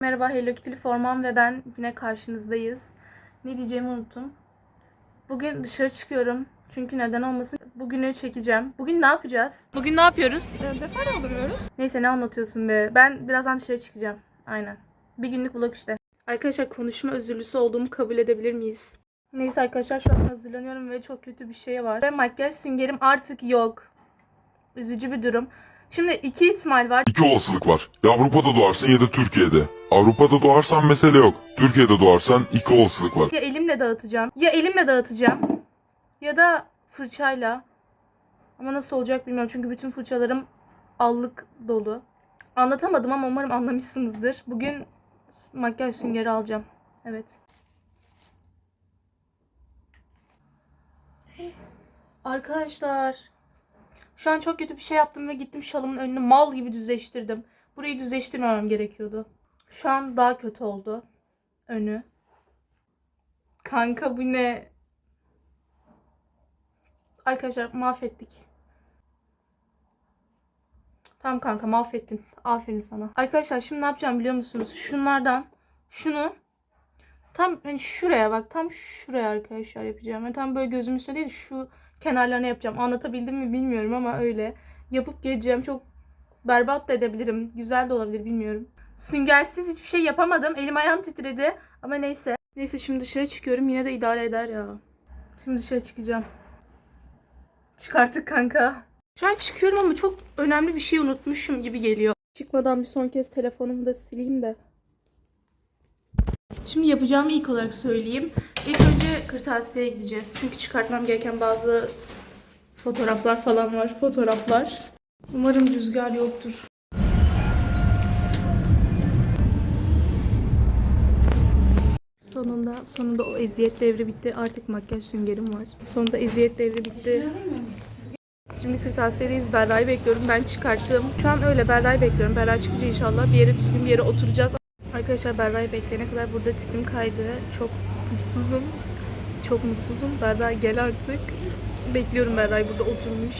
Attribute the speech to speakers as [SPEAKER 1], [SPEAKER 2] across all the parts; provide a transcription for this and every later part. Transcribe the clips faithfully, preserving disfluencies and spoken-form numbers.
[SPEAKER 1] Merhaba, Hello Kitty Forman ve ben yine karşınızdayız. Ne diyeceğimi unuttum. Bugün dışarı çıkıyorum. Çünkü neden olmasın, bugünü çekeceğim. Bugün ne yapacağız? Bugün ne yapıyoruz?
[SPEAKER 2] E, defter dolduruyoruz.
[SPEAKER 1] Neyse, ne anlatıyorsun be. Ben birazdan dışarı çıkacağım. Aynen. Bir günlük vlog işte. Arkadaşlar, konuşma özürlüsü olduğumu kabul edebilir miyiz? Neyse arkadaşlar, şu an hazırlanıyorum ve çok kötü bir şey var. Ve makyaj süngerim artık yok. Üzücü bir durum. Şimdi iki ihtimal var.
[SPEAKER 3] İki olasılık var. Ya Avrupa'da doğarsın ya da Türkiye'de. Avrupa'da doğarsan mesele yok. Türkiye'de doğarsan iki olasılık var.
[SPEAKER 1] Ya elimle dağıtacağım. Ya elimle dağıtacağım. Ya da fırçayla. Ama nasıl olacak bilmiyorum. Çünkü bütün fırçalarım allık dolu. Anlatamadım ama umarım anlamışsınızdır. Bugün makyaj süngeri alacağım. Evet. Arkadaşlar. Şu an çok kötü bir şey yaptım ve gittim şalımın önünü mal gibi düzleştirdim. Burayı düzleştirmemem gerekiyordu. Şu an daha kötü oldu. Önü. Kanka bu ne? Arkadaşlar mahvettik. Tamam kanka, mahvettin. Aferin sana. Arkadaşlar şimdi ne yapacağım biliyor musunuz? Şunlardan şunu tam hani şuraya bak. Tam şuraya arkadaşlar yapacağım. Yani tam böyle gözümün üstüne değil, şu kenarlarına yapacağım. Anlatabildim mi bilmiyorum ama öyle. Yapıp geleceğim. Çok berbat da edebilirim. Güzel de olabilir, bilmiyorum. Süngersiz hiçbir şey yapamadım. Elim ayağım titredi. Ama neyse. Neyse, şimdi dışarı çıkıyorum. Yine de idare eder ya. Şimdi dışarı çıkacağım. Çıkarttık kanka. Şu an çıkıyorum ama çok önemli bir şey unutmuşum gibi geliyor. Çıkmadan bir son kez telefonumu da sileyim de. Şimdi yapacağımı ilk olarak söyleyeyim. İlk önce kırtasiyeye gideceğiz. Çünkü çıkartmam gereken bazı fotoğraflar falan var. Fotoğraflar. Umarım rüzgar yoktur. Sonunda, sonunda o eziyet devri bitti. Artık makyaj süngerim var. Sonunda eziyet devri bitti. Şimdi kırtasiyedeyiz. Berra'yı bekliyorum. Ben çıkarttım. Şu an öyle Berra'yı bekliyorum. Berra çıkınca inşallah bir yere düzgün bir yere oturacağız. Arkadaşlar, Berra'yı bekleyene kadar burada tipim kaydı. Çok mutsuzum. Çok mutsuzum. Berra gel artık. Bekliyorum Berra'yı, burada oturmuş.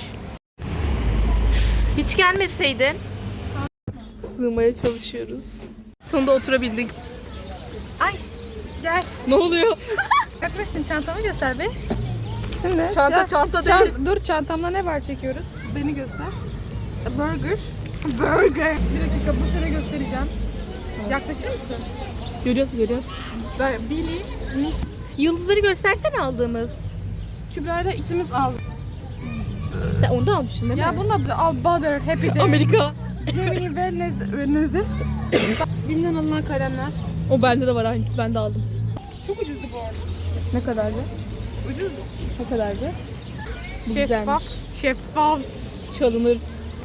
[SPEAKER 1] Hiç gelmeseydin. Sığmaya çalışıyoruz. Sonunda oturabildik.
[SPEAKER 2] Ay gel.
[SPEAKER 1] Ne oluyor?
[SPEAKER 2] Yaklaşın, çantamı göster be. Şimdi
[SPEAKER 1] Çanta
[SPEAKER 2] ya,
[SPEAKER 1] çanta
[SPEAKER 2] çan-
[SPEAKER 1] değil.
[SPEAKER 2] Dur, çantamda ne var çekiyoruz? Beni göster. A burger. Burger. Bir dakika, bu sene göstereceğim. Yaklaşır mısın?
[SPEAKER 1] Görüyoruz görüyoruz.
[SPEAKER 2] Ben Billy,
[SPEAKER 1] Yıldızları göstersene aldığımız.
[SPEAKER 2] Kübra'yla ikimiz aldık.
[SPEAKER 1] Sen onu da almışsın değil mi?
[SPEAKER 2] Ya bunu da al, Butter, Happy Day.
[SPEAKER 1] Amerika.
[SPEAKER 2] Gemini, Wednesday. Wednesday. Bim'den alınan kalemler.
[SPEAKER 1] O bende de var, aynısı, ben de aldım.
[SPEAKER 2] Çok ucuzdu bu arada.
[SPEAKER 1] Ne kadardı?
[SPEAKER 2] Ucuzdu.
[SPEAKER 1] Ne kadardı? Bu
[SPEAKER 2] Şeffaf,
[SPEAKER 1] güzelmiş.
[SPEAKER 2] şeffaf.
[SPEAKER 1] Çalınırız.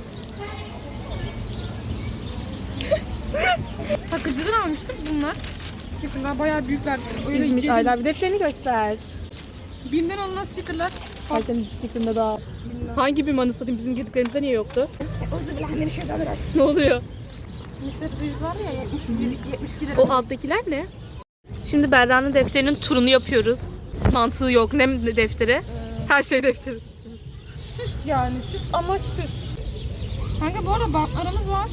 [SPEAKER 2] Takıcıdan almıştık bunlar. Stickerlar bayağı büyükler. Öyle
[SPEAKER 1] İzmit
[SPEAKER 2] girdim.
[SPEAKER 1] Aylar, bir defterini göster.
[SPEAKER 2] Bim'den alınan stickerlar.
[SPEAKER 1] Her senin sticker'ında daha. Hangi bir manı satayım? Bizim girdiklerimizde niye yoktu? Ne oluyor?
[SPEAKER 2] Mısır büyük var ya, yetmiş iki lira.
[SPEAKER 1] O alttakiler ne? Şimdi Berra'nın defterinin turunu yapıyoruz. Mantığı yok. Ne defteri? Her şey defteri.
[SPEAKER 2] Süs yani, süs, amaç süs. Kanka bu arada bantlarımız var.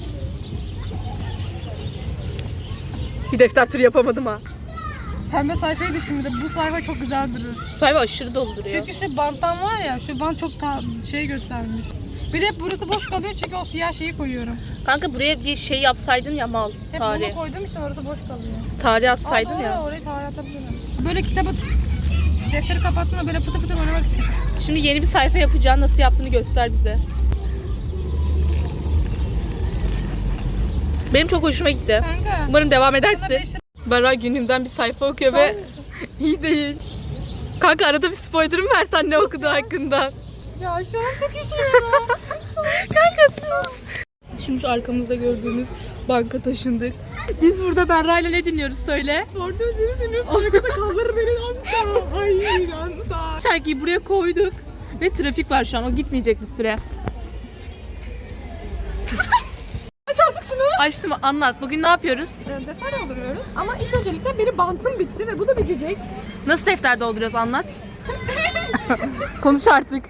[SPEAKER 1] Bir defter turu yapamadım ha.
[SPEAKER 2] Pembe sayfaydı şimdi de, bu sayfa çok güzel durur.
[SPEAKER 1] Sayfa aşırı dolu duruyor.
[SPEAKER 2] Çünkü şu banttan var ya, şu bant çok ta şey göstermiş. Bir de burası boş kalıyor çünkü o siyah şeyi koyuyorum.
[SPEAKER 1] Kanka buraya bir şey yapsaydın ya, mal.
[SPEAKER 2] Hep
[SPEAKER 1] Tarih.
[SPEAKER 2] bunu koyduğum için orası boş kalıyor.
[SPEAKER 1] Tarih
[SPEAKER 2] Aa,
[SPEAKER 1] atsaydın
[SPEAKER 2] doğru,
[SPEAKER 1] ya.
[SPEAKER 2] orayı tarih atabilirim. Böyle kitabı, defteri kapattığında böyle fıtı fıtı oynamak için.
[SPEAKER 1] Şimdi yeni bir sayfa yapacaksın. Nasıl yaptığını göster bize. Benim çok hoşuma gitti.
[SPEAKER 2] Kanka.
[SPEAKER 1] Umarım devam
[SPEAKER 2] Sana
[SPEAKER 1] edersin.
[SPEAKER 2] beş lira-
[SPEAKER 1] Berra günümden bir sayfa okuyor
[SPEAKER 2] Sağ
[SPEAKER 1] ve
[SPEAKER 2] mısın?
[SPEAKER 1] iyi değil. Kanka arada bir spoiler mı versen ne okuduğu hakkında?
[SPEAKER 2] Ya şu an çok işiyorum.
[SPEAKER 1] Kanka sus. Şimdi şu arkamızda gördüğünüz banka taşındık. Biz burada Berra ile ne dinliyoruz söyle.
[SPEAKER 2] Orada özünü dinliyoruz. Arkada kalları beni ansa. Ay ansa.
[SPEAKER 1] Şarkıyı buraya koyduk ve trafik var şu an, o gitmeyecek bir süre.
[SPEAKER 2] Aç artık şunu.
[SPEAKER 1] Açtım, anlat. Bugün ne yapıyoruz?
[SPEAKER 2] E, defter dolduruyoruz. Ama ilk öncelikle benim bantım bitti ve bu da bitecek.
[SPEAKER 1] Nasıl defter dolduruyoruz, anlat. Konuş artık.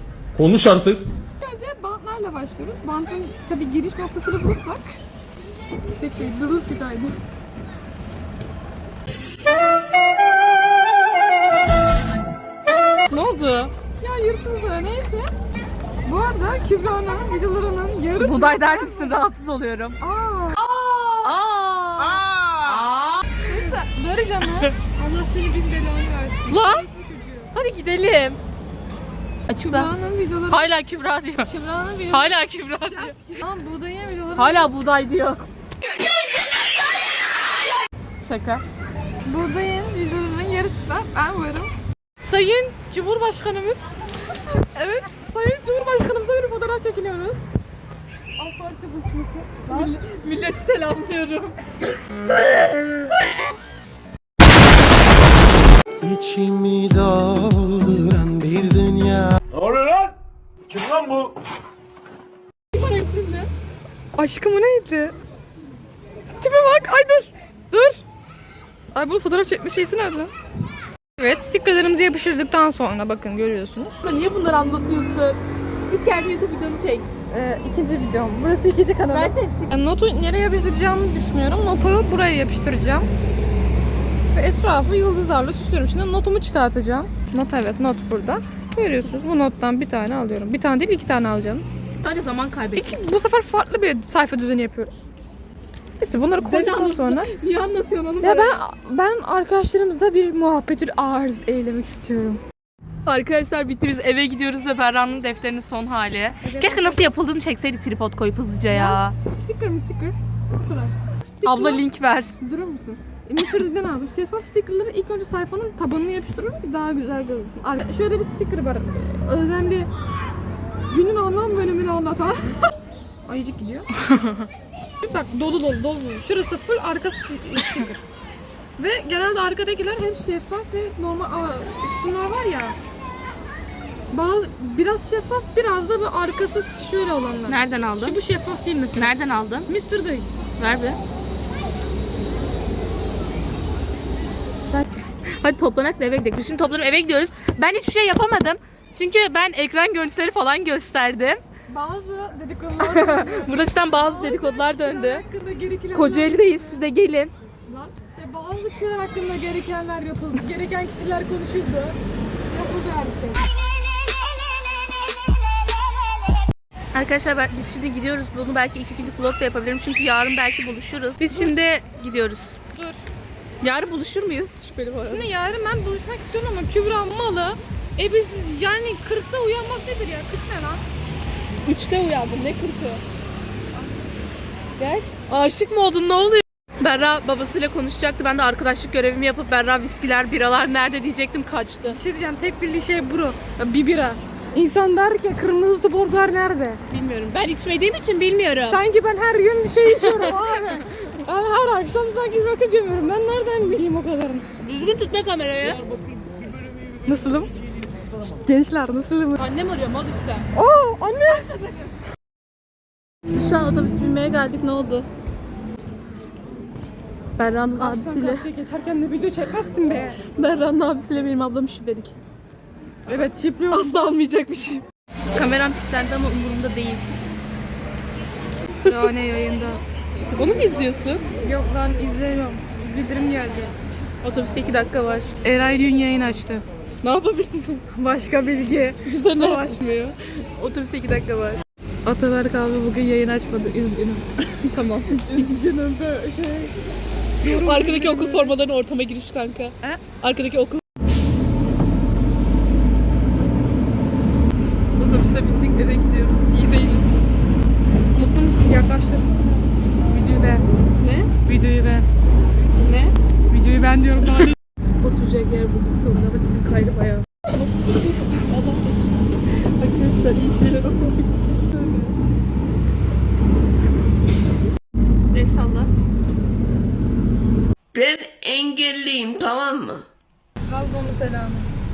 [SPEAKER 4] Konuş artık.
[SPEAKER 2] Önce bantlarla başlıyoruz. Bantın tabii giriş noktasını bulursak Tek şey Dırılsıkaydı.
[SPEAKER 1] Ne oldu?
[SPEAKER 2] Ya yırtıldı neyse. Bu arada Kübra'nın videolarının yarısı...
[SPEAKER 1] Buğday der misin? Rahatsız oluyorum.
[SPEAKER 2] Aa. Aa. Neyse Barış ama Allah seni bin belanı versin.
[SPEAKER 1] Lan!
[SPEAKER 2] Resmi çocuğu.
[SPEAKER 1] Hadi gidelim. Açıkla.
[SPEAKER 2] Kübra'nın videoları...
[SPEAKER 1] Hala Kübra diyor.
[SPEAKER 2] Kübra'nın videoları...
[SPEAKER 1] Hala Kübra diyor.
[SPEAKER 2] Lan buğdayın videoları...
[SPEAKER 1] Hala buğday diyor. Şaka.
[SPEAKER 2] Buğdayın videolarının yarısı da ben varım.
[SPEAKER 1] Sayın Cumhurbaşkanımız.
[SPEAKER 2] Evet, Sayın Cumhurbaşkanımıza bir fotoğraf çekiniyoruz. Asfaltı buluşması.
[SPEAKER 1] Mill- milleti selamlıyorum.
[SPEAKER 4] İçimi dolduran bir dünya.
[SPEAKER 5] Ne oluyor lan? Kim lan bu?
[SPEAKER 2] Aşkım o neydi? Tipe bak, ay dur. Dur. Ay bunun fotoğraf çekme şeysi nerede? Evet, stickerlarımızı yapıştırdıktan sonra bakın görüyorsunuz.
[SPEAKER 1] Niye bunları anlatıyorsun? Git kendi YouTube videonu çek.
[SPEAKER 2] Ee, ikinci videom. Burası ikinci kanalım.
[SPEAKER 1] Ben sesli.
[SPEAKER 2] Yani notu nereye yapıştıracağımı düşünüyorum. Notu buraya yapıştıracağım. Ve etrafı yıldızlarla süslüyorum. Şimdi notumu çıkartacağım. Not evet, not burada. Görüyorsunuz bu nottan bir tane alıyorum. Bir tane değil iki tane alacağım.
[SPEAKER 1] Sadece zaman kaybettim.
[SPEAKER 2] İki, bu sefer farklı bir sayfa düzeni yapıyoruz. Neyse bunları koyduktan sonra.
[SPEAKER 1] Niye anlatıyorsun onu?
[SPEAKER 2] Ya ben ben arkadaşlarımızla bir muhabbetül arz eylemek istiyorum.
[SPEAKER 1] Arkadaşlar bitti, biz eve gidiyoruz ve Berra'nın defterinin son hali. Keşke nasıl yapıldığını çekseydik tripod koyup hızlıca ya.
[SPEAKER 2] Sticker mi sticker? Bu kadar.
[SPEAKER 1] Abla link ver.
[SPEAKER 2] Durur musun? Mısır'dan aldım. Şeffaf stickerları ilk önce sayfanın tabanına yapıştırıyorum ki daha güzel gözüksün. Ar- Şöyle bir sticker var. Önemli. Günün anlam ve önemini anlatan. Ayıcık gidiyor. Bak dolu dolu dolu. Şurası full, arkası sticker. Ve genelde arkadakiler hem şeffaf ve normal. Aa, şunlar var ya. Bazı, biraz şeffaf, biraz da bu arkası şöyle olanlar.
[SPEAKER 1] Nereden aldın?
[SPEAKER 2] Şu bu şeffaf değil mesela.
[SPEAKER 1] Nereden aldın?
[SPEAKER 2] Mısır'da.
[SPEAKER 1] Ver be. Hadi toplanak da eve gidelim. Biz şimdi toplanıp eve gidiyoruz. Ben hiçbir şey yapamadım. Çünkü ben ekran görüntüleri falan gösterdim.
[SPEAKER 2] Bazı dedikodular
[SPEAKER 1] Burada cidden bazı dedikodular döndü.
[SPEAKER 2] hakkında gerekenler
[SPEAKER 1] Kocaeli'deyiz, siz de gelin.
[SPEAKER 2] Lan, şey, bazı kişiler hakkında gerekenler yapıldı. Gereken kişiler konuşuldu. Yapıldı her şey.
[SPEAKER 1] Arkadaşlar ben, biz şimdi gidiyoruz. Bunu belki iki günlük vlog da yapabilirim. Çünkü yarın belki buluşuruz. Biz şimdi gidiyoruz.
[SPEAKER 2] Dur.
[SPEAKER 1] Yarın buluşur muyuz? Şüpheli bu arada.
[SPEAKER 2] Şimdi yarın ben buluşmak istiyorum ama Kübra malı. E biz yani kırkta uyanmak nedir ya? kırk ne lan?
[SPEAKER 1] Üçte uyandım. Ne kırkı? Gel. Aşık mı oldun? Ne oluyor? Berra babasıyla konuşacaktı. Ben de arkadaşlık görevimi yapıp Berra viskiler, biralar nerede diyecektim, kaçtı.
[SPEAKER 2] Bir şey diyeceğim. Tek bildiği şey bro. Ya, bir bira. İnsan der ki kırmızı toplar nerede?
[SPEAKER 1] Bilmiyorum. Ben içmediğim için bilmiyorum.
[SPEAKER 2] Sanki ben her gün bir şey içiyorum abi. Ben her akşam sanki rakı gömüyorum. Ben nereden bileyim o kadarını?
[SPEAKER 1] Düzgün tutma kamerayı.
[SPEAKER 2] Nasılım? Şşt, gençler nasılım?
[SPEAKER 1] Annem arıyor, mal işte.
[SPEAKER 2] Oo anne.
[SPEAKER 1] Şu an otobüs binmeye geldik. Ne oldu? Berra'nın abisiyle
[SPEAKER 2] Karşıya geçerken de video çekmezsin be.
[SPEAKER 1] Berra'nın abisiyle benim ablamı şüpheledik.
[SPEAKER 2] Evet çipliyorum.
[SPEAKER 1] Asla almayacakmışım. Kameram pislendi ama umurumda değil.
[SPEAKER 2] Ya ne yayında?
[SPEAKER 1] Onu mu izliyorsun?
[SPEAKER 2] Yok lan izlemiyorum. Bildirim geldi.
[SPEAKER 1] Otobüste iki dakika var.
[SPEAKER 2] Eray dün yayın açtı.
[SPEAKER 1] Ne yapabilirsin?
[SPEAKER 2] Başka bilgi.
[SPEAKER 1] Bize ne açmıyor? Otobüste iki dakika var.
[SPEAKER 2] Ataberk abi bugün yayın açmadı. Üzgünüm.
[SPEAKER 1] Tamam.
[SPEAKER 2] Üzgünüm de şey.
[SPEAKER 1] Arkadaki okul formalarının ortama giriş kanka.
[SPEAKER 2] He?
[SPEAKER 1] Arkadaki okul. Otobüse bindik, eve gidiyoruz. İyi değiliz.
[SPEAKER 2] Mutlu musun? Yaklaştır. Videoyu beğen.
[SPEAKER 1] Ne?
[SPEAKER 2] Videoyu beğen.
[SPEAKER 1] Ne?
[SPEAKER 2] Videoyu ben diyorum daha değil.
[SPEAKER 1] Oturacak yer bulduk sonunda ama tipi kaydı bayağı. Arkadaşlar iyi şeyler oldu. El salla.
[SPEAKER 6] Ben engelliyim, tamam mı?
[SPEAKER 2] Trabzonlu selamı.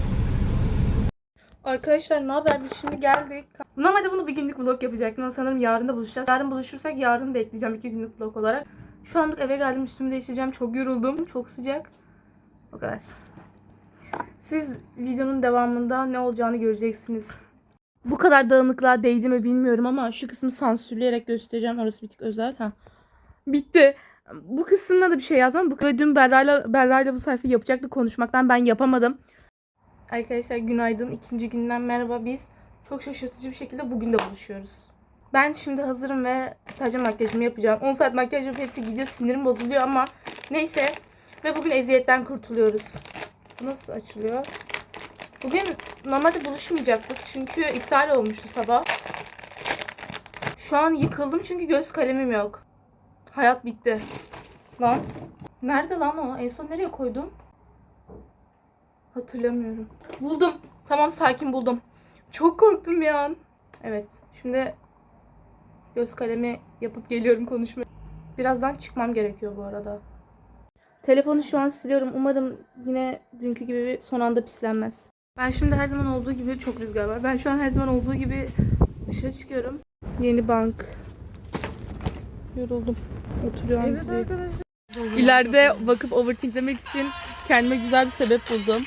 [SPEAKER 1] Arkadaşlar ne haber? Biz şimdi geldik. Normalde bunu bir günlük vlog yapacaktım ama sanırım yarın da buluşacağız. Yarın buluşursak yarın da ekleyeceğim iki günlük vlog olarak. Şu anlık eve geldim, üstümü değiştireceğim. Çok yoruldum. Çok sıcak. O kadar. Siz videonun devamında ne olacağını göreceksiniz. Bu kadar dağınıklığa değdi mi bilmiyorum ama şu kısmı sansürleyerek göstereceğim. Orası bir tık özel. Ha. Bitti. Bu kısmına da bir şey yazmam. Bu ve dün Berra'yla Berra'yla bu sayfayı yapacaktık konuşmaktan ben yapamadım. Arkadaşlar günaydın. İkinci günden merhaba. Biz çok şaşırtıcı bir şekilde bugün de buluşuyoruz. Ben şimdi hazırım ve sadece makyajımı yapacağım. on saat makyaj yapıp hepsi gidiyor. Sinirim bozuluyor ama neyse. Ve bugün eziyetten kurtuluyoruz. Bu nasıl açılıyor? Bugün normalde buluşmayacaktık. Çünkü iptal olmuştu sabah. Şu an yıkıldım çünkü göz kalemim yok. Hayat bitti. Lan. Nerede lan o? En son nereye koydum? Hatırlamıyorum. Buldum. Tamam sakin buldum. Çok korktum bir an. Evet. Şimdi göz kalemi yapıp geliyorum konuşmaya. Birazdan çıkmam gerekiyor bu arada. Telefonu şu an siliyorum. Umarım yine dünkü gibi son anda pislenmez. Ben şimdi her zaman olduğu gibi çok rüzgar var. Ben şu an her zaman olduğu gibi dışarı çıkıyorum. Yeni bank. Yoruldum. Oturuyorum.
[SPEAKER 2] Evet
[SPEAKER 1] dizi.
[SPEAKER 2] arkadaşlar.
[SPEAKER 1] İleride bakıp overthinklemek için kendime güzel bir sebep buldum.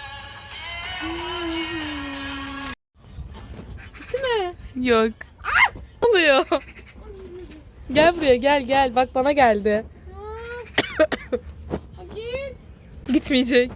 [SPEAKER 2] Bitti mi?
[SPEAKER 1] Yok. Ne oluyor? Gel buraya gel gel. Bak bana geldi.
[SPEAKER 2] Ha, git.
[SPEAKER 1] Gitmeyecek.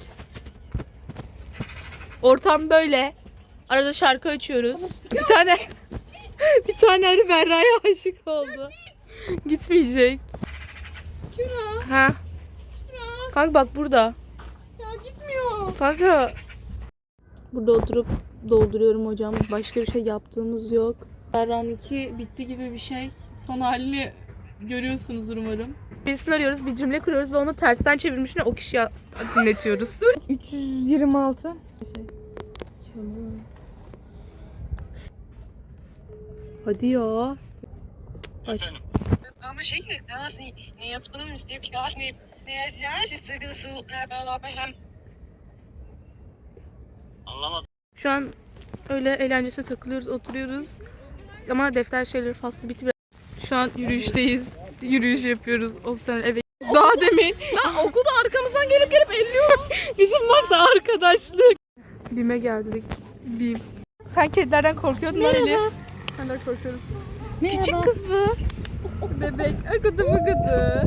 [SPEAKER 1] Ortam böyle. Arada şarkı açıyoruz. Bir tane bir tane arı Berra'ya aşık oldu. Gitmeyecek.
[SPEAKER 2] Küra.
[SPEAKER 1] Ha.
[SPEAKER 2] Küra.
[SPEAKER 1] Kanka bak burada.
[SPEAKER 2] Ya gitmiyor.
[SPEAKER 1] Kanka. Burada oturup dolduruyorum hocam. Başka bir şey yaptığımız yok. Berra'nınki bitti gibi bir şey. Son halini görüyorsunuzdur umarım. Birisini arıyoruz, bir cümle kuruyoruz ve onu tersten çevirmişine o kişiye dinletiyoruz.
[SPEAKER 2] üç yüz yirmi altı.
[SPEAKER 1] Hadi ya. Aç.
[SPEAKER 7] Ama şey nasıl ne yaptığını isteyip ki aslında ne yazacağını söylüyorsun beraber hem anlamadım.
[SPEAKER 1] Şu an öyle eğlencesine takılıyoruz, oturuyoruz. Ama defter şeyleri faslı bitti. Şu an yürüyüşteyiz. Yürüyüş yapıyoruz. Of sen eve. Daha demin. Lan okulda arkamızdan gelip gelip elliyorum. Bizim varsa arkadaşlık. Bim'e geldik. Bim. Sen kedilerden korkuyordun lan Elif. Ben de korkuyorum. Küçük kız bu. Bebek. Akıdı bıgıdı.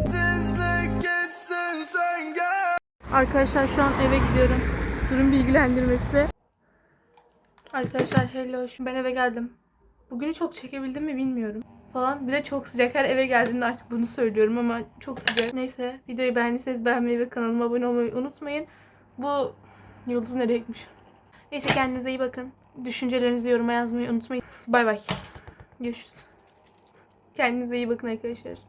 [SPEAKER 1] Arkadaşlar şu an eve gidiyorum. Durum bilgilendirmesi. Arkadaşlar hello. Şimdi ben eve geldim. Bugünü çok çekebildim mi bilmiyorum. Falan. Bir de çok sıcak. Her eve geldiğimde artık bunu söylüyorum ama çok sıcak. Neyse. Videoyu beğendiyseniz beğenmeyi ve kanalıma abone olmayı unutmayın. Bu yıldız nereye gitmiş? Neyse kendinize iyi bakın. Düşüncelerinizi yoruma yazmayı unutmayın. Bay bay. Görüşürüz. Kendinize iyi bakın arkadaşlar.